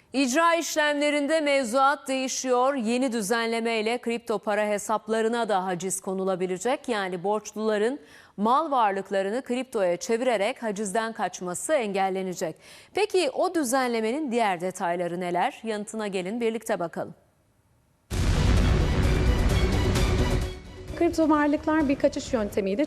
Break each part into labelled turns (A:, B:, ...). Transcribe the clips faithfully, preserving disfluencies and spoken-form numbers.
A: İcra işlemlerinde mevzuat değişiyor. Yeni düzenlemeyle kripto para hesaplarına da haciz konulabilecek. Yani borçluların mal varlıklarını kriptoya çevirerek hacizden kaçması engellenecek. Peki o düzenlemenin diğer detayları neler? Yanıtına gelin birlikte bakalım.
B: Kripto varlıklar bir kaçış yöntemiydi.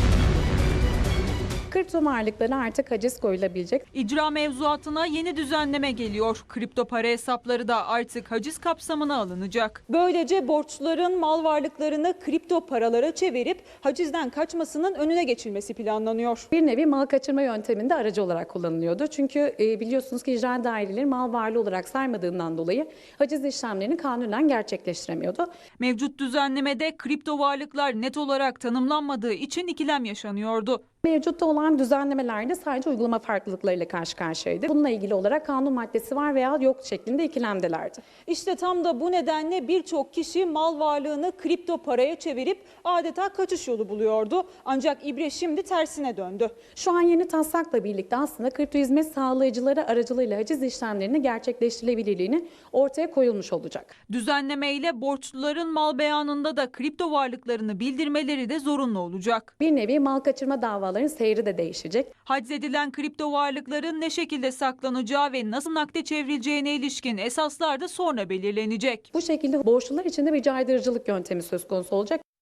B: Kripto varlıklara artık haciz koyulabilecek.
C: İcra mevzuatına yeni düzenleme geliyor. Kripto para hesapları da artık haciz kapsamına alınacak.
D: Böylece borçluların mal varlıklarını kripto paralara çevirip hacizden kaçmasının önüne geçilmesi planlanıyor.
B: Bir nevi mal kaçırma yönteminde aracı olarak kullanılıyordu. Çünkü e, biliyorsunuz ki icra daireleri mal varlığı olarak saymadığından dolayı haciz işlemlerini kanunen gerçekleştiremiyordu.
C: Mevcut düzenlemede kripto varlıklar net olarak tanımlanmadığı için ikilem yaşanıyordu.
B: Mevcutta olan düzenlemelerde sadece uygulama farklılıklarıyla karşı karşıyaydı. Bununla ilgili olarak kanun maddesi var veya yok şeklinde ikilemdelerdi.
D: İşte tam da bu nedenle birçok kişi mal varlığını kripto paraya çevirip adeta kaçış yolu buluyordu. Ancak ibre şimdi tersine döndü.
B: Şu an yeni taslakla birlikte aslında kripto hizmet sağlayıcıları aracılığıyla haciz işlemlerini gerçekleştirilebilirliğini ortaya koyulmuş olacak.
C: Düzenlemeyle borçluların mal beyanında da kripto varlıklarını bildirmeleri de zorunlu olacak.
B: Bir nevi mal kaçırma davalarının seyri de değişecek.
C: Haczedilen kripto varlıkların ne şekilde saklanacağı ve nasıl nakde çevrileceğine ilişkin esaslar da sonra belirlenecek.
B: Bu şekilde borçlular için de bir caydırıcılık yöntemi söz konusu olacak.